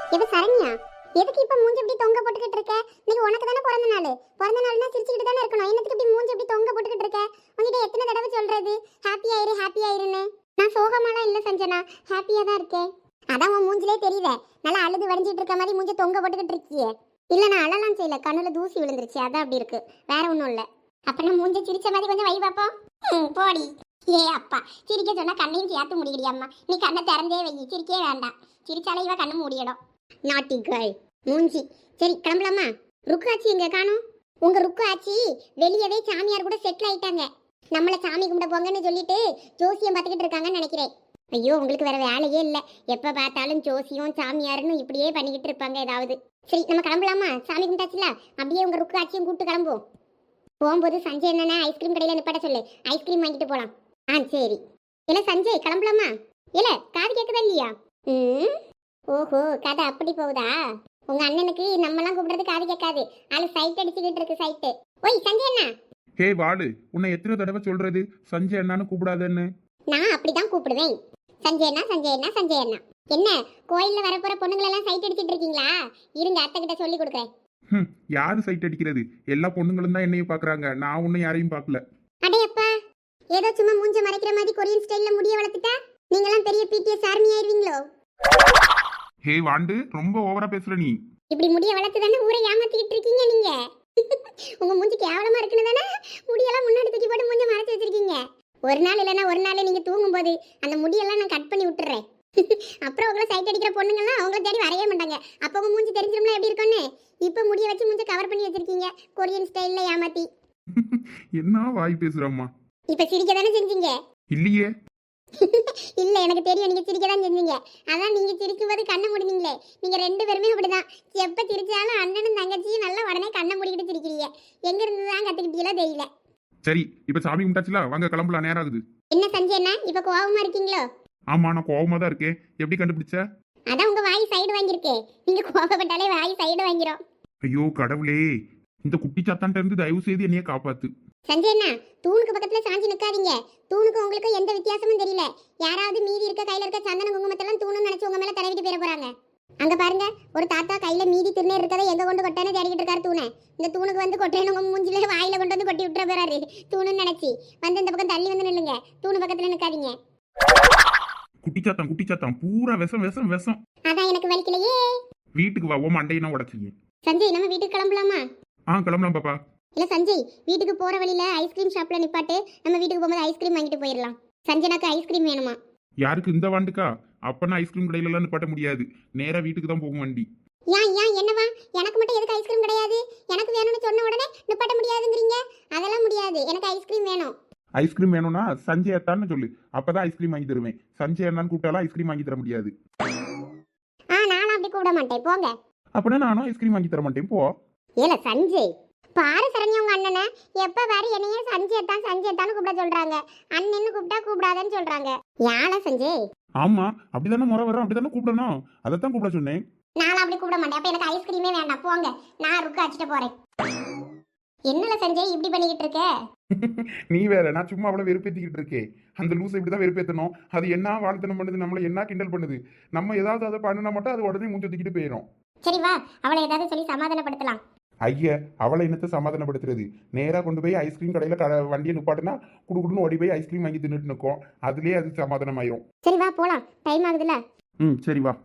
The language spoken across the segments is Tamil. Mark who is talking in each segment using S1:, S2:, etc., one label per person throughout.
S1: இது சரண்யா, எதுக்கு இப்ப மூஞ்சி இப்படி தொங்க போட்டுக்கிட்டு இருக்க? இன்னைக்கு உனக்கு தானே பிறந்த நாள். பிறந்த நாள்னா சிரிச்சுக்கிட்டு தானே இருக்கணும். என்னத்துக்கு இப்படி மூஞ்சி இப்படி தொங்க போட்டுக்கிட்டு இருக்க? உன்கிட்ட எத்தனை தடவை சொல்றது ஹாப்பி ஆயிரு ஹாப்பி ஆயிருன்னு? நான் சோகமாலாம் இல்ல சஞ்சனா, ஹாப்பியா தான் இருக்கேன். அதான் உன் மூஞ்சிலே தெரியுதே, நல்லா அழுது வடிஞ்சிட்டு இருக்க மாதிரி மூஞ்சி தொங்க போட்டுக்கிட்டு இருக்கியே. இல்ல நான் அழலாம் செய்யல, கண்ணுல தூசி விழுந்துருச்சு, அதான் அப்படி இருக்கு, வேற ஒண்ணும் இல்ல. அப்ப நான் மூஞ்சி சிரிச்ச மாதிரி கொஞ்சம் வை பாப்போம். போடி. ஏ அப்பா, சிரிக்க சொன்னா கண்ணையும் சேர்த்து முடிக்கிறியம்மா. நீ கண்ணை திறந்தே வை, சிரிக்கவே வேண்டாம். சிரிச்சாலே இவ கண்ணு மூடிடும். நாட்டி கேர்ள் மூஞ்சி. சரி கிளம்பலாமா? ருக்கு ஆச்சி எங்க காணோம்? உங்க ருக்கு ஆச்சி வெளியவே சாமியார் கூட செட்டில் ஆயிட்டாங்க. நம்மள சாமி கும்பிட போங்கன்னு சொல்லிட்டு ஜோசியம் பார்த்துக்கிட்டு இருக்காங்கன்னு நினைக்கிறேன். ஐயோ, உங்களுக்கு வேற வேலையே இல்லை, எப்ப பார்த்தாலும் ஜோசியம் சாமியார்னு இப்படியே பண்ணிக்கிட்டு இருப்பாங்க ஏதாவது. சரி நம்ம கிளம்பலாமா? சாமி கும்பிட்டாச்சுல, அப்படியே உங்க ருக்கு ஆச்சியும் கூப்பிட்டு கிளம்புவோம். போகும்போது சஞ்சய் என்னன்னா ஐஸ்கிரீம் கடையில் நிப்பாட்ட சொல்லு, ஐஸ்கிரீம் வாங்கிட்டு போலாம். சரி. இல்ல சஞ்சய் கிளம்பலாமா? இல்ல காது கேட்குதா இல்லையா? ஓஹோ, கதை அப்படி போகுதா? உங்க அண்ணனுக்கு நம்மலாம் கூப்பிடுறது காது கேட்காது, ஆளு சைட் அடிச்சுக்கிட்டு இருக்கு சைட்டு. ஓய் சஞ்சய் அண்ணா.
S2: ஹே வாடு, உன்னை எத்தனை தடவை சொல்றது சஞ்சய் அண்ணான்னு கூப்பிடாதன்னு?
S1: நான் அப்படிதான் கூப்பிடுவேன், சஞ்சய் அண்ணா சஞ்சய் அண்ணா சஞ்சய் அண்ணா. என்ன கோயில்ல வரப்போற பொண்ணுங்களெல்லாம் சைட் அடிச்சிட்டு இருக்கீங்களா? இருங்க அத்தை கிட்ட சொல்லி கொடுக்குறேன்.
S2: யாரு சைட் அடிக்கிறது? எல்லா பொண்ணுங்களும் தான் என்னையும் பாக்குறாங்க, நான் ஒன்னும் யாரையும் பார்க்கல.
S1: அடையப்பா, ஏதோ சும்மா மூஞ்ச மறைக்கிற மாதிரி கொரியன் ஸ்டைல்ல முடிய வளர்த்துட்டா நீங்களாம் பெரிய பிடிஎஸ் ஆர்மி ஆயிருவீங்களோ?
S2: ஹே வாண்டு, ரொம்ப ஓவரா பேசுற நீ.
S1: இப்படி முடிய வளர்த்து தானே ஊரை ஏமாத்திக்கிட்டு இருக்கீங்க நீங்க. உங்க மூஞ்சி கேவலமா இருக்குன்னு தானே முடியெல்லாம் முன்னாடி தூக்கி போட்டு மூஞ்ச மறைச்சு வச்சிருக்கீங்க. ஒரு நாள் இல்லைன்னா ஒரு நாள் நீங்க தூங்கும் போது அந்த முடியெல்லாம் நான் கட் பண்ணி விட்டுறேன். அப்புறம் உங்களை சைட் அடிக்கிற பொண்ணுங்கள்லாம் அவங்கள தேடி வரவே மாட்டாங்க. அப்போ உங்க மூஞ்சி தெரிஞ்சிரும்ல எப்படி இருக்குன்னு. இப்ப முடிய வச்சு மூஞ்ச கவர் பண்ணி வச்சிருக்கீங்க கொரியன் ஸ்டைல்ல ஏமாத்தி.
S2: என்ன வாய் பேசுறம்மா?
S1: இப்ப சிரிக்க தானே செஞ்சீங்க?
S2: இல்லையே.
S1: இல்ல எனக்கு தெரியும், நீங்க சிரிக்க தான் செஞ்சீங்க. அதான் நீங்க சிரிக்கும் போது கண்ணை முடினீங்களே. நீங்க ரெண்டு பேருமே அப்படிதான், எப்ப சிரிச்சாலும் அண்ணனும் தங்கச்சியும் நல்லா உடனே கண்ணை மூடிக்கிட்டு சிரிக்கிறீங்க. எங்க இருந்து தான் கத்துக்கிட்டீங்களோ தெரியல.
S2: சரி, இப்ப சாமி கும்பிட்டாச்சுல, வாங்க கிளம்பலாம், நேரம் ஆகுது.
S1: என்ன சஞ்சய் அண்ணா, இப்ப கோவமா இருக்கீங்களோ?
S2: ஆமா, நான் கோவமா தான் இருக்கேன். எப்படி கண்டுபிடிச்ச?
S1: அதான் உங்க வாய் சைடு வாங்கியிருக்கே. நீங்க கோவப்பட்டாலே வாய் சைடு வாங்கிரும்.
S2: ஐயோ கடவுளே, இந்த குட்டி சாத்தான்ட்ட இருந்து தயவு செய்து என்னைய காப்பாத்து.
S1: சஞ்சய் அண்ணா, தூணுக்கு பக்கத்துல சாஞ்சி நிக்காதீங்க. தூணுக்கு உங்களுக்கு எந்த வித்தியாசமும் தெரியல. யாராவது மீதி இருக்க கையில இருக்க சந்தன குங்குமத்தெல்லாம் தூணுன்னு நினைச்சு உங்க மேல தடவிட்டு போயிட போறாங்க. அங்க பாருங்க, ஒரு தாத்தா கையில மீதி திருநீர் இருக்கதை எங்க கொண்டு கொட்டானே தேடிக்கிட்டு இருக்காரு தூணை. இந்த தூணுக்கு வந்து கொட்டேன்னு உங்க மூஞ்சில வாயில கொண்டு வந்து கொட்டி விட்டுற போறாரு தூணுன்னு நினைச்சு. வந்து இந்த பக்கம் தள்ளி வந்து நில்லுங்க, தூணு பக்கத்துல நிக்காதீங்க.
S2: குட்டி சாத்தான் பூரா விஷம் விஷம் விஷம்.
S1: அதான் எனக்கு வலிக்கலையே.
S2: வீட்டுக்கு வா, ஓ மண்டையினா உடச்சிங்க.
S1: சஞ்சய், நம்ம வீட்டுக்கு கிளம்பலாமா?
S2: கிளம்பலாம் பாப்பா.
S1: இல்ல சஞ்சய், வீட்டுக்கு போற வழியில ஐஸ்கிரீம் ஷாப்ல நிப்பாட்டு, நம்ம வீட்டுக்கு போகும்போது ஐஸ்கிரீம் வாங்கிட்டு போயிடலாம். சஞ்சனாக்கு ஐஸ்கிரீம் வேணுமா?
S2: யாருக்கு? இந்த வாண்டுக்கா? அப்பனா ஐஸ்கிரீம் கடையில எல்லாம் நிப்பாட்ட முடியாது, நேரா வீட்டுக்கு தான் போகும் வண்டி.
S1: ஏன் ஏன் என்னவா? எனக்கு மட்டும் எதுக்கு ஐஸ்கிரீம் கிடையாது? எனக்கு வேணும்னு சொன்ன உடனே நிப்பாட்ட முடியாதுங்கிறீங்க? அதெல்லாம் முடியாது, எனக்கு ஐஸ்கிரீம் வேணும்.
S2: ஐஸ்கிரீம் வேணும்னா சஞ்சய் அத்தான்னு சொல்லு, அப்பதான் ஐஸ்கிரீம் வாங்கி தருவேன். சஞ்சய் அண்ணான்னு கூப்பிட்டாலும் ஐஸ்கிரீம் வாங்கி தர முடியாது.
S1: நானும் அப்படி கூப்பிட மாட்டேன், போங்க.
S2: அப்படின்னா நானும் ஐஸ்கிரீம் வாங்கி தர மாட்டேன், போ.
S1: ஏல சஞ்சய், பாரு சரண்யா, உங்க அண்ணனை எப்ப பாரு என்னையே சஞ்சய் தான் கூப்பிட சொல்றாங்க. அண்ணன்னு கூப்பிட்டா கூப்பிடாதன்னு சொல்றாங்க. யாழ சஞ்சய்?
S2: ஆமா, அப்படிதானே முறை வரும், அப்படிதானே கூப்பிடணும், அதைத்தான் கூப்பிட சொன்னேன்.
S1: நானும் அப்படி கூப்பிட மாட்டேன். அப்ப எனக்கு ஐஸ்கிரீமே வேண்டாம், போங்க. நான் ருக்கு அடிச்சுட்டு போறேன். என்னல சஞ்சய் இப்படி பண்ணிக்கிட்டு இருக்க?
S2: நீ வேற, நான் சும்மா அவ்வளவு வெறுப்பேத்திக்கிட்டு இருக்கேன். அந்த லூஸ் இப்படிதான் வெறுப்பேத்தணும். அது என்ன வாழ்த்தனம் பண்ணுது, நம்மள என்ன கிண்டல் பண்ணுது. நம்ம ஏதாவது அதை பண்ணினா மட்டும் அது உடனே மூஞ்ச தூக்கிட்டு போயிடும்.
S1: சரி வா, அவளை ஏதாவது சொல்லி சமாதானப்படுத்தலாம்.
S2: ஐயா, அவளை என்னத்தை சமாதானப்படுத்துறது? நேரா கொண்டு போய் ஐஸ்கிரீம் கடையில வண்டியை நிப்பாட்டுனா குடுக்குடுன்னு ஓடி போய் ஐஸ்கிரீம் வாங்கி தின்னுட்டு நிற்கும். அதுலயே அது சமாதானம் ஆயிரும்.
S1: சரி வா போலாம், டைம் ஆகுதுல.
S2: சரி வா.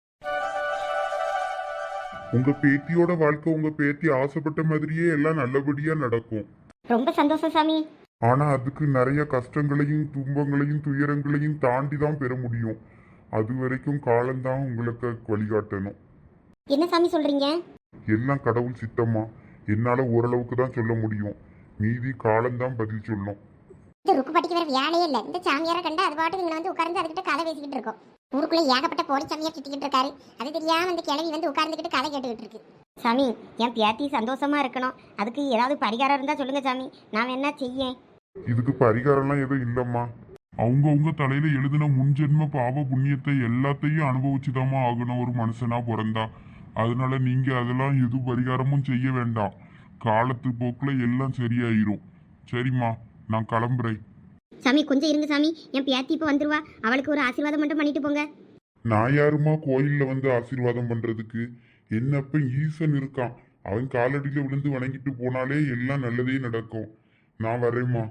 S3: உங்க பேத்தியோட வாழ்க்கை உங்க பேத்தி ஆசைப்பட்ட மாதிரியே எல்லாம் நல்லபடியா நடக்கும்.
S1: ரொம்ப சந்தோஷம் சாமி.
S3: ஆனா அதுக்கு நிறைய கஷ்டங்களையும் துன்பங்களையும் துயரங்களையும் தாண்டி தான் பெற முடியும். அது வரைக்கும் காலம்தான் உங்களுக்கு வழிகாட்டணும்.
S1: என்ன சாமி சொல்றீங்க?
S3: எல்லாம் கடவுள் சித்தமா. என்னால ஓரளவுக்கு தான் சொல்ல முடியும், மீதி காலம்தான் பதில் சொல்லும்.
S1: இந்த ருக்கு பாட்டிக்கு வேற வேலையே இல்லை. இந்த சாமியாரை கண்டா அது பாட்டுக்கு இங்க வந்து உட்கார்ந்து அதுக்கிட்ட கதை பேசிக்கிட்டு இருக்கோம். ஊருக்குள்ள ஏகப்பட்ட போலி சாமியார் சுத்திக்கிட்டு இருக்காரு. அது தெரியாம இந்த கிழவி வந்து உட்கார்ந்துக்கிட்டு கதை கேட்டுக்கிட்டு இருக்கு.
S4: சாமி, என் பேத்தி சந்தோஷமா இருக்கணும், அதுக்கு ஏதாவது பரிகாரம் இருந்தா சொல்லுங்க சாமி, நான் என்ன செய்யேன்?
S3: இதுக்கு பரிகாரம்லாம் எதுவும் இல்லம்மா. அவங்கவுங்க தலையில எழுதின முன்ஜென்ம பாவ புண்ணியத்தை எல்லாத்தையும் அனுபவிச்சுதாம்மா ஆகணும் ஒரு மனுஷனா பிறந்தா. அதனால நீங்க அதெல்லாம் எது பரிகாரமும் செய்ய வேண்டாம். காலத்து போக்குல எல்லாம் சரியாயிரும். சரிம்மா, நான் கிளம்புறேன்.
S4: சாமி கொஞ்சம் இருங்க சாமி, என் பேத்தி இப்போ வந்துருவா, அவளுக்கு ஒரு ஆசீர்வாதம் மட்டும் பண்ணிட்டு போங்க.
S3: நான் யாருமா கோயில்ல வந்து ஆசீர்வாதம் பண்றதுக்கு? என்னப்ப ஈசன் இருக்கான், அவன் காலடியில விழுந்து வணங்கிட்டு போனாலே எல்லாம் நல்லதே நடக்கும். நான் வரேம்மா.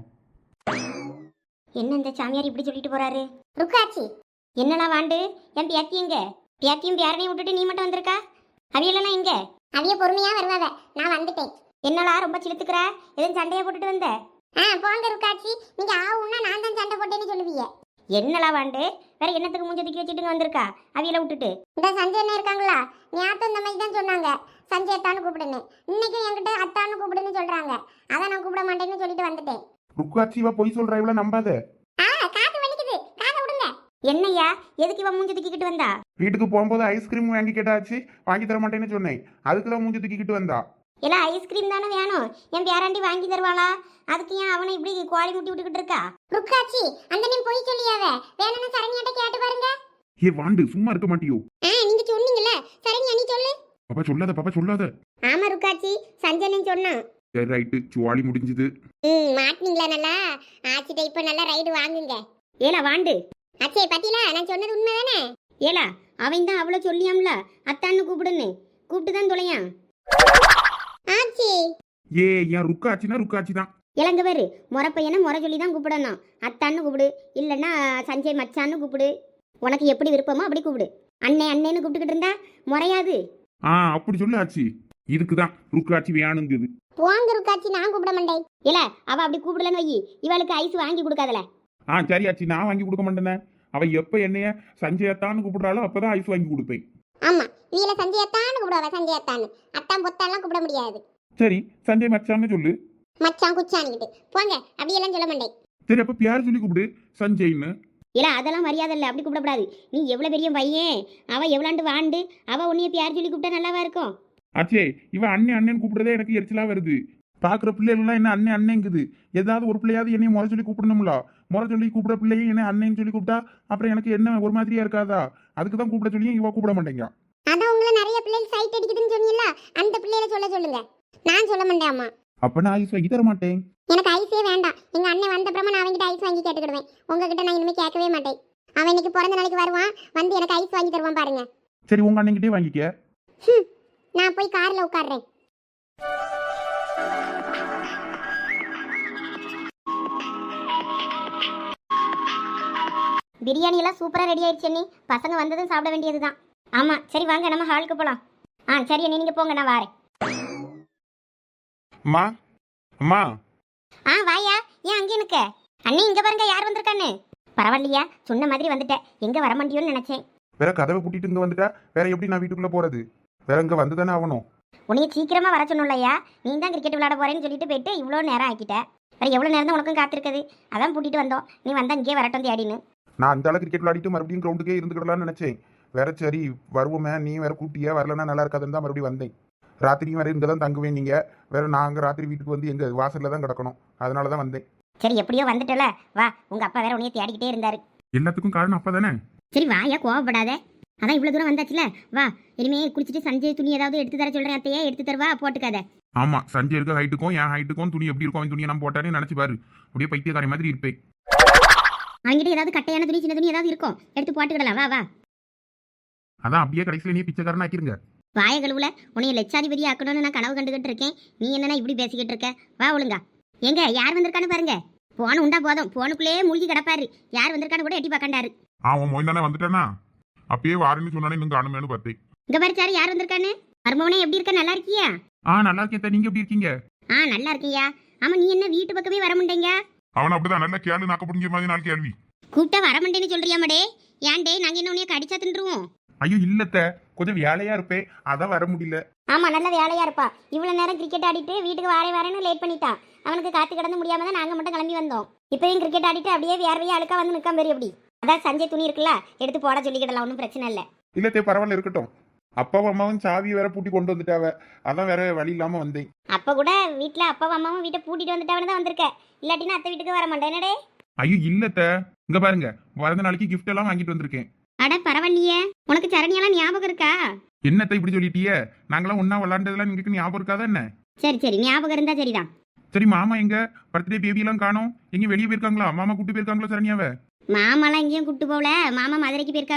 S4: என்ன இந்த சாமியார் இப்படி சொல்லிட்டு போறாரு?
S1: ருக்காச்சி
S4: என்னடா வாண்டு, என் பியாத்தி எங்க? பியாத்தியும் பியாரனையும் விட்டுட்டு நீ மட்டும் வந்திருக்கா? அவியலாம் எங்க?
S1: அவிய பொறுமையா வருவாவ, நான் வந்துட்டேன்.
S4: என்னடா ரொம்ப சிலுத்துக்கிற? எதுவும் சண்டையா போட்டுட்டு வந்த?
S1: போங்க ருக்காச்சி, நீங்க ஆவுன்னா நான் தான் சண்டை போட்டேன்னு சொல்லுவீங்க.
S4: என்னடா வாண்டு, வேற என்னத்துக்கு மூஞ்ச தூக்கி வச்சுட்டு வந்திருக்கா அவியல விட்டுட்டு?
S1: இந்த சஞ்சய் அண்ணா இருக்காங்களா, ஞாபகம் இந்த மாதிரி தான் சொன்னாங்க, சஞ்சய் அத்தான்னு கூப்பிடுன்னு. இன்னைக்கும் என்கிட்ட அத்தான்னு கூப்பிடுன்னு சொல்றாங்க. அதான் நான் கூப்பிட மாட்டேன்னு சொல்லிட்டு வந்துட்டேன்.
S2: ருக்காச்சி இவ பொய் சொல்றா, இவள நம்பாத.
S1: காது வலிக்குது, காதை விடுங்க.
S4: என்னய்யா, எதுக்கு இவன் மூஞ்ச தூக்கிக்கிட்டு வந்தா?
S2: வீட்டுக்கு போகும்போது ஐஸ்கிரீம் வாங்கி கேட்டாச்சு, வாங்கி தர மாட்டேன்னு சொன்னேன். அதுக்கு தான் மூஞ்சி தூக்கிக்கிட்டு வந்தா.
S4: எல்லாம் ஐஸ்கிரீம் தானே வேணும், என் பேராண்டி வாங்கி தருவாளா? அதுக்கு ஏன் அவனை இப்படி கோழி முட்டி விட்டுக்கிட்டு இருக்கா?
S1: ருக்காச்சி அந்த நீ போய் சொல்லியாவ, வேணும்னு சரண்யாட்ட கேட்டு பாருங்க.
S2: ஏ வாண்டு, சும்மா இருக்க மாட்டியோ?
S1: நீங்க சொன்னீங்கல்ல, சரண்யா நீ சொல்லு.
S2: பாப்பா சொல்லாத, பாப்பா சொல்லாத.
S1: ஆமா ருக்காச்சி, சஞ்சய் சொன்னான்.
S2: சரி ரைட்டு, சுவாலி முடிஞ்சது.
S1: மாட்டினீங்களா நல்லா? ஆச்சிட்ட இப்ப நல்லா ரைடு வாங்குங்க.
S4: ஏலா வாண்டு,
S1: அச்சே பாத்தீங்களா, நான் சொன்னது உண்மைதானே?
S4: ஏலா அவன் தான் அவ்வளோ சொல்லியாம்ல அத்தான்னு கூப்பிடுன்னு, கூப்பிட்டு தான் தொலையான்.
S1: ஆச்சி
S2: ஏ என் ருக்காச்சினா ருக்காச்சி தான்.
S4: இளங்க பேரு முறை பையனை முறை சொல்லி தான் கூப்பிடணும். அத்தான்னு கூப்பிடு, இல்லைன்னா சஞ்சய் மச்சான்னு கூப்பிடு. உனக்கு எப்படி விருப்பமோ அப்படி கூப்பிடு. அண்ணே அண்ணேன்னு கூப்பிட்டுக்கிட்டு இருந்தா முறையாது.
S2: அப்படி சொல்லு ஆச்சி. இதுக்கு தான் ருக்காச்சி வேணுங்குது.
S1: போங்க ருக்காச்சி, நான் கூப்பிட மாட்டேன்.
S4: இல்ல அவ அப்படி கூப்பிடலன்னு வை, இவளுக்கு ஐஸ் வாங்கி கொடுக்காதல.
S2: சரி ஆச்சி, நான் வாங்கி கொடுக்க மாட்டேனே. அவ எப்ப என்னைய சஞ்சயத்தான்னு கூப்பிடுறாளோ அப்பதான் ஐஸ் வாங்கி கொடுப்பேன்.
S1: ஆமா, வீல சஞ்சய் அத்தான்னு கூப்பிடுவா, சஞ்சய் அத்தான்னு. அத்தான் பொத்தாலாம் கூப்பிட முடியாது.
S2: சரி சஞ்சய் மச்சான்னு சொல்லு.
S1: மச்சான் குச்சான்கிட்டு போங்க, அப்படியெல்லாம் சொல்ல மாட்டேன்.
S2: சரி அப்ப பேர் சொல்லி கூப்பிடு, சஞ்சய்னு.
S4: இல்ல அதெல்லாம் மரியாதை இல்லை, அப்படி கூப்பிடக்கூடாது. நீ எவ்வளவு பெரிய பையன், அவ எவ்வளாண்டு வாண்டு, அவ உன்னைய பேர் சொல்லி கூப்பிட்டா நல்லாவா இருக்கும்?
S2: ஆச்சே, இவ அண்ணன் அண்ணன் கூப்பிடுறதே எனக்கு எரிச்சலா வருது. பாக்குற பிள்ளைகள்லாம் என்ன அண்ணன் அண்ணங்குது. ஏதாவது ஒரு பிள்ளையாவது என்னைய முறை சொல்லி கூப்பிடணும்ல. முறை சொல்லி கூப்பிட பிள்ளையை என்ன அண்ணன்னு சொல்லி கூப்பிட்டா அப்புறம் எனக்கு என்ன ஒரு மாதிரியா இருக்காதா? அதுக்கு தான் கூப்பிட சொல்லி இவ கூப்பிட மாட்டேங்க.
S1: அதான் உங்களை நிறைய பிள்ளைகள் சைட் அடிக்குதுன்னு சொன்னீங்களா, அந்த பிள்ளைகளை சொல்லுங்க. நான் சொல்ல மாட்டேன்.
S2: அப்ப நான் ஐஸ் வாங்கி தர மாட்டேன்.
S1: எனக்கு ஐஸே வேண்டாம். எங்க அண்ணன் வந்த அப்புறமா நான் அவன்கிட்ட ஐஸ் வாங்கி கேட்டுக்கிடுவேன். உங்ககிட்ட நான் இனிமே கேட்கவே மாட்டேன். அவன் இன்னைக்கு பிறந்த நாளைக்கு வருவான், வந்து எனக்கு ஐஸ் வாங்கி தருவான் பாருங்க.
S2: சரி உங்க அண்ணன்கிட்டே வாங்கிக்க.
S1: நான் போய் கார்ல உட்கார்றேன்.
S4: பிரியாணி எல்லாம் சூப்பரா ரெடி ஆயிடுச்சு அண்ணி. பசங்க வந்ததும் சாப்பிட வேண்டியதுதான். ஆமா சரி வாங்க நம்ம ஹாலுக்கு போலாம். சரி அண்ணி நீங்க போங்க, நான் வாரேன்.
S2: அம்மா அம்மா.
S4: வாயா, ஏன் அங்கே நிக்க? அண்ணி இங்க பாருங்க யார் வந்திருக்கான்னு. பரவாயில்லையா, சொன்ன மாதிரி வந்துட்டேன். எங்க வர மாட்டியோன்னு நினைச்சேன்.
S2: வேற கதவை பூட்டிட்டு இங்க வந்துட்டா வேற எப்படி நான் வீட்டுக்குள்ள போறது? வேற இங்க வந்துதானே ஆகணும்.
S4: உன்னைய சீக்கிரமா வர சொன்னோம்லையா, நீ தான் கிரிக்கெட் விளையாட போறேன்னு சொல்லிட்டு போயிட்டு இவ்வளோ நேரம் ஆக்கிட்ட. வேற எவ்வளோ நேரம் தான் உனக்கும் காத்திருக்குது? அதான் பூட்டிட்டு வந்தோம். நீ வந்தா இங்கே வரட்டும் தேடின்னு.
S2: நான் அந்த அளவுக்கு கிரிக்கெட் விளையாடிட்டு மறுபடியும் கிரவுண்டுக்கே இருந்துக்கிடலாம்னு நினைச்சேன். வேற சரி வருவோமே, நீ வேற கூட்டியா வரலன்னா நல்லா இருக்காதுன்னு தான் மறுபடியும் வந்தேன். ராத்திரியும் வேற இங்கே தான் தங்குவேன். நீங்க வேற நாங்கள் ராத்திரி வீட்டுக்கு வந்து எங்க வாசல்ல தான் கிடக்கணும். அதனால தான் வந்தேன்.
S4: சரி எப்படியோ வந்துட்டல, வா. உங்க அப்பா வேற உன்னைய தேடிக்கிட்டே இருந்தாரு.
S2: எல்லாத்துக்கும் காரணம் அப்பா தானே.
S4: சரி வாயா, கோவப்படாத. அதான் இவ்வளவு தூரம் வந்தாச்சுல, வா. இனிமே குளிச்சுட்டு சஞ்சய் துணி ஏதாவது எடுத்து தர சொல்றேன். அத்தையே எடுத்து தருவா, போட்டுக்காத.
S2: ஆமா, சஞ்சய் இருக்க ஹைட்டுக்கும் என் ஹைட்டுக்கும் துணி எப்படி இருக்கும், அவன் துணியை நான் போட்டானே நினைச்சு பாரு. அப்படியே பைத்தியக்காரி மாதிரி இருப்பேன்.
S4: அவங்ககிட்ட ஏதாவது கட்டையான துணி சின்ன துணி ஏதாவது இருக்கும், எடுத்து போட்டுக்கிடலாம். வா வா.
S2: அதான் அப்படியே கடைசியில் நீ பிச்சைக்காரன் ஆக்கிருங்க.
S4: வாய கழுவுல, உன்னைய லட்சாதிபதி ஆக்கணும்னு நான் கனவு கண்டுகிட்டு இருக்கேன். நீ என்னன்னா இப்படி பேசிக்கிட்டு இருக்க? வா ஒழுங்கா. எங்க யார் வந்திருக்கான்னு பாருங்க. போன உண்டா போதும், போனுக்குள்ளேயே மூழ்கி கிடப்பாரு. யார் வந்திருக்கான்னு கூட எட்டி பார்க்கண்டாரு.
S3: அவன் மொய் தானே வந்துட்டானா? அப்பயே வாரேன்னு சொன்னானே, இன்னும் காணுமேனு பார்த்தேன்.
S4: இங்க பாரு சாரு, யார் வந்திருக்கான்னு. மருமவனே எப்படி இருக்க, நல்லா இருக்கியா?
S2: நல்லா இருக்கேன். நீங்க எப்படி இருக்கீங்க?
S4: நல்லா இருக்கியா? ஆமா, நீ என்ன வீட்டு பக்கமே வர மாட்டேங்க?
S3: அவன் அப்படிதான் நல்ல கேள்வி நாக்க புடிஞ்ச மாதிரி நாலு கேள்வி
S4: கூப்பிட்டா வர மாட்டேன்னு சொல்றியாமடே. ஏன்டே நாங்க என்ன உன்னைய கடிச்சா தின்றுவோம்?
S2: ஐயோ இல்லத்த, கொஞ்சம் வேலையா இருப்பேன், அதான் வர முடியல.
S4: ஆமா நல்ல வேலையா இருப்பா. இவ்வளவு நேரம் கிரிக்கெட் ஆடிட்டு வீட்டுக்கு வரேன்னு லேட் பண்ணிட்டான். அவனுக்கு காத்து கிடந்து முடியாம தான் நாங்க மட்டும் கிளம்பி வந்தோம். இப்பயும் கிரிக்கெட் ஆடிட்டு அப்படியே வேர்வையா அழுக்கா வந்து நிற்காம பெரிய எப்படி. அதான் சஞ்சய் துணி இருக்குல்ல, எடுத்து போட சொல்லிக்கிடலாம், ஒன்றும் பிரச்சனை இல்லை.
S2: இல்லத்தே பரவாயில்ல, இருக்கட்டும். அப்பாவும் அம்மாவும் சாவி வேற பூட்டி கொண்டு வந்துட்டாவ, அதான் வேற வழி இல்லாம வந்தேன்.
S4: அப்ப கூட வீட்டுல அப்பாவும் அம்மாவும் வீட்டை பூட்டிட்டு வந்துட்டாவன்னு தான் வந்திருக்க. இல்லாட்டினா அத்தை வீட்டுக்கு வர மாட்டேனடே.
S2: ஐயோ இல்லத்த, இங்க பாருங்க, பிறந்த நாளைக்கு கிஃப்ட் எல்லாம் வாங்கிட்டு வந்திருக்கேன்.
S4: அட பரவாயில்லையே, உனக்கு சரணியெல்லாம் ஞாபகம் இருக்கா?
S2: என்னத்த இப்படி சொல்லிட்டியே? நாங்களாம் ஒன்னா விளாண்டதெல்லாம் உங்களுக்கு ஞாபகம் இருக்காதா என்ன?
S4: சரி சரி, ஞாபகம் இருந்தா சரிதான்.
S2: சரி மாமா எங்க? பர்த்டே பேபி எல்லாம் காணோம், எங்க வெளியே போயிருக்காங்களா? மாமா கூட்டு போயிருக்காங்களா சரணியாவ?
S4: மாமாலாம் எங்கேயும் கூட்டு போகல. மாமா மதுரைக்கு போயிருக்காவ.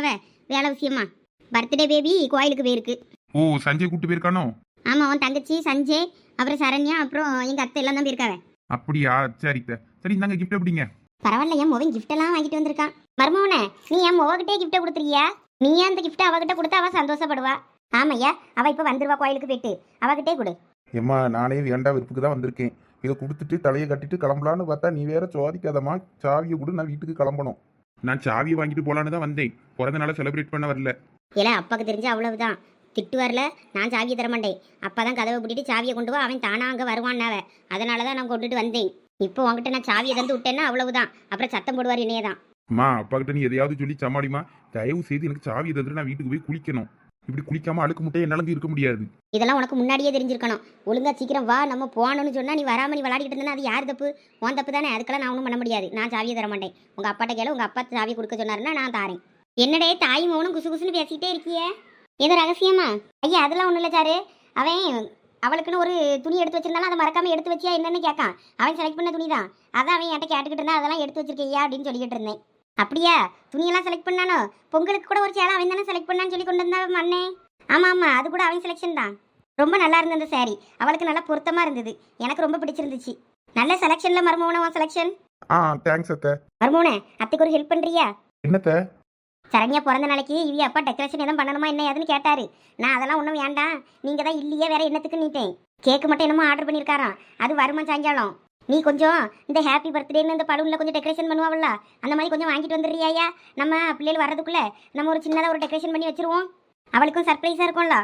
S4: வேலை விஷயமா. பர்த்டே பேபி கோயிலுக்கு போயிருக்கு.
S2: ஓ சஞ்சய் கூட்டு போயிருக்கானோ?
S4: ஆமாம், உன் தங்கச்சி சஞ்சய், அப்புறம் சரண்யா, அப்புறம் எங்கள் அத்தை எல்லாம் தான் போயிருக்காவே.
S2: அப்படியா, சரித்த. சரி இந்தாங்க கிஃப்ட் எப்படிங்க?
S4: பரவாயில்ல, என் மோவன் gift எல்லாம் வாங்கிட்டு வந்திருக்கான். மருமவனே, நீ என் மோவகிட்டே கிஃப்ட்டை கொடுத்துருக்கியா? நீ அந்த கிஃப்ட்டை அவகிட்ட கொடுத்தா அவள் சந்தோஷப்படுவா. ஆமையா, அவள் இப்போ வந்துருவா கோயிலுக்கு போயிட்டு. அவகிட்டே கொடு.
S2: ஏம்மா நானே வேண்டா விருப்புக்கு தான் வந்திருக்கேன். இதை கொடுத்துட்டு தலையை கட்டிட்டு கிளம்பலான்னு பார்த்தா நீ வேற சோதிக்காதம்மா. சாவியை கூட நான் வீட்டுக்கு கிளம்பணும். நான் சாவியை வாங்கிட்டு போலான்னு தான் வந்தேன். பிறந்த நாளை செலிப்ரேட் பண்ண வரல.
S4: இல்லை, அப்பாவுக்கு தெரிஞ்சு அவ்வளவுதான். திட்டு வரல, நான் சாவியை தர மாட்டேன். அப்பா தான் கதவை பூட்டிட்டு சாவியை கொண்டு வா, அவன் தானா அங்கே வருவான்னாவ. அதனால தான் நான் கொண்டுட்டு வந்தேன். இப்போ உங்ககிட்ட நான் சாவியை தந்து விட்டேன்னா அவ்வளவுதான். அப்புறம் சத்தம் போடுவார் என்னையே தான்.
S2: அம்மா அப்பா கிட்ட நீ எதையாவது சொல்லி சமாளிமா. தயவு செய்து எனக்கு சாவியை தந்துட்டு நான் வீட்டுக்கு போய் குளிக்கணும். இப்படி குளிக்காம அழுக்கு முட்டையை என்னால இருக்க முடியாது.
S4: இதெல்லாம் உனக்கு முன்னாடியே தெரிஞ்சிருக்கணும். ஒழுங்கா சீக்கிரம் வா, நம்ம போகணும்னு சொன்னா நீ வராம நீ விளையாடிட்டு இருந்தா அது யார் தப்பு? உன் தப்பு தானே. அதுக்கெல்லாம் நான் ஒன்றும் பண்ண முடியாது. நான் சாவியை தர மாட்டேன். உங்க அப்பாட்ட கேளு, உங்க அப்பா சாவி கொடுக்க சொன்னாருன்னா நான் தாரேன். என்னடே தாய் மௌனம் குசு குசுன்னு பேசிக்கிட்டே இருக்கியே, ஏதோ ரகசியமா? ஐயா அதெல்லாம் ஒன்றும் இல்லை சாரு. அவன் அவளுக்குன்னு ஒரு துணி எடுத்து வச்சிருந்தாலும் அதை மறக்காம எடுத்து வச்சியா என்னன்னு கேட்கான். அவன் செலக்ட் பண்ண துணி தான். அதான் அவன் என்கிட்ட கேட்டுக்கிட்டு இருந்தா அதெல்லாம் எடுத்து வச்சிருக்கையா அப்படின்னு சொல்லிக்கிட்டு இருந்தேன். அப்படியா, துணியெல்லாம் செலக்ட் பண்ணானோ? பொங்கலுக்கு கூட ஒரு சேலை அவன் தானே செலக்ட் பண்ணான்னு சொல்லி கொண்டு வந்தா மண்ணே. ஆமாம் ஆமாம், அது கூட அவன் செலெக்ஷன் தான். ரொம்ப நல்லா இருந்தது அந்த சாரி. அவளுக்கு நல்லா பொருத்தமாக இருந்தது. எனக்கு ரொம்ப பிடிச்சிருந்துச்சு. நல்ல செலெக்ஷனில் மருமகன உன் செலெக்ஷன்.
S2: தேங்க்ஸ் அத்தை.
S4: மருமகனே, அத்தைக்கு ஒரு ஹெல்ப் பண்ணுறியா?
S2: என்னத்த?
S4: சரண்யா பிறந்த நாளைக்கு இவி அப்பா டெக்கரேஷன் எதுவும் பண்ணணுமா என்ன ஏதுன்னு கேட்டாரு. நான் அதெல்லாம் ஒன்றும் வேண்டாம், நீங்கள் தான் இல்லையே வேற என்னத்துக்கு நீட்டேன். கேக்கு மட்டும் என்னமோ ஆர்டர் பண்ணியிருக்காராம். அது வருமா சாயங்காலம். நீ கொஞ்சம் இந்த ஹாப்பி பர்த்டேன்னு இந்த பலூனில் கொஞ்சம் டெக்கரேஷன் பண்ணுவாள்ல, அந்த மாதிரி கொஞ்சம் வாங்கிட்டு வந்துடுறியா? நம்ம பிள்ளைகள் வர்றதுக்குள்ளே நம்ம ஒரு சின்னதாக ஒரு டெக்கரேஷன் பண்ணி வச்சிருவோம். அவளுக்கும் சர்ப்ரைஸாக இருக்கும்ல.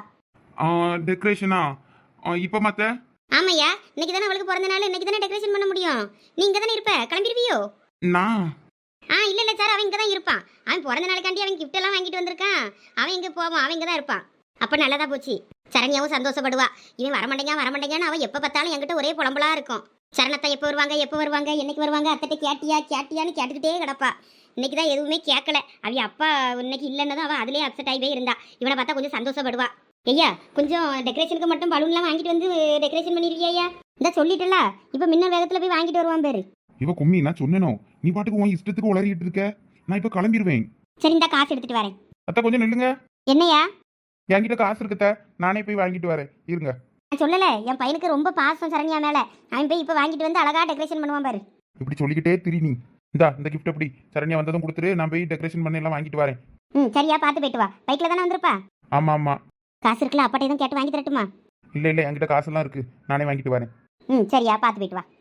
S2: டெக்கரேஷனா இப்போ மத்த?
S4: ஆமையா, இன்னைக்கு தானே அவளுக்கு பிறந்த நாள். இன்னைக்கு தானே டெக்கரேஷன் பண்ண முடியும். நீ இங்கே தானே இருப்ப, கிளம்பிடுவியோ?
S2: நான்
S4: இல்லை சார், அவன் இங்கே தான் இருப்பான். அவன் பிறந்த நாளுக்காண்டி அவன் gift எல்லாம் வாங்கிட்டு வந்திருக்கான். அவன் இங்கே போவான், அவன் இங்கே தான் இருப்பான். அப்போ நல்லதா போச்சு. சரண்யாவும் சந்தோஷப்படுவா. இவன் வரமாட்டேங்கன்னு அவன் எப்போ பார்த்தாலும் என்கிட்ட ஒரே புலம்பலா இருக்கும். சரணத்தா எப்போ வருவாங்க என்னைக்கு வருவாங்க, அத்தட்ட கேட்டியான்னு கேட்டுக்கிட்டே கிடப்பா. இன்னைக்கு தான் எதுவுமே கேட்கல. அவன் அப்பா இன்னைக்கு இல்லைன்னதும் அவன் அதுலேயே அப்செட் ஆகிவே இருந்தா. இவனை பார்த்தா கொஞ்சம் சந்தோஷப்படுவா. ஐயா கொஞ்சம் டெக்கரேஷனுக்கு மட்டும் பலூன்லாம் வாங்கிட்டு வந்து டெக்கரேஷன் பண்ணிருக்கியா? இந்த சொல்லிட்டல, இப்போ முன்ன வேகத்தில் போய் வாங்கிட்டு வருவான் பேரு.
S2: இவ கும்மி நான் சொன்னேனோ, நீ பாட்டுக்கு உன் இஷ்டத்துக்கு உளறிட்டு இருக்க. நான் இப்போ கிளம்பிடுவேன்.
S4: சரி, இந்த காசு எடுத்துட்டு வரேன்.
S2: அத்தை கொஞ்சம் நில்லுங்க.
S4: என்னையா?
S2: என்கிட்ட காசு இருக்குத்த, நானே போய் வாங்கிட்டு வரேன். இருங்க.
S4: நான் சொல்லலை, என் பையனுக்கு ரொம்ப பாசம் சரண்யா மேலே. அவன் போய் இப்போ வாங்கிட்டு வந்து அழகா டெக்கரேஷன் பண்ணுவான் பாரு.
S2: இப்படி சொல்லிக்கிட்டே திரி நீ. இந்த கிஃப்ட் எப்படி சரண்யா வந்ததும் கொடுத்துரு, நான் போய் டெக்கரேஷன் பண்ணி எல்லாம் வாங்கிட்டு வரேன்.
S4: சரியா, பார்த்து போயிட்டு வா. பைக்கில் தானே வந்திருப்பா?
S2: ஆமா ஆமா.
S4: காசு இருக்குல்ல, அப்பாட்ட எதுவும் கேட்டு வாங்கி தரட்டுமா?
S2: இல்லை என்கிட்ட காசெல்லாம் இருக்கு, நானே வாங்கிட்டு வரேன்.
S4: சரியா, பார்த்து போயிட்டு வா.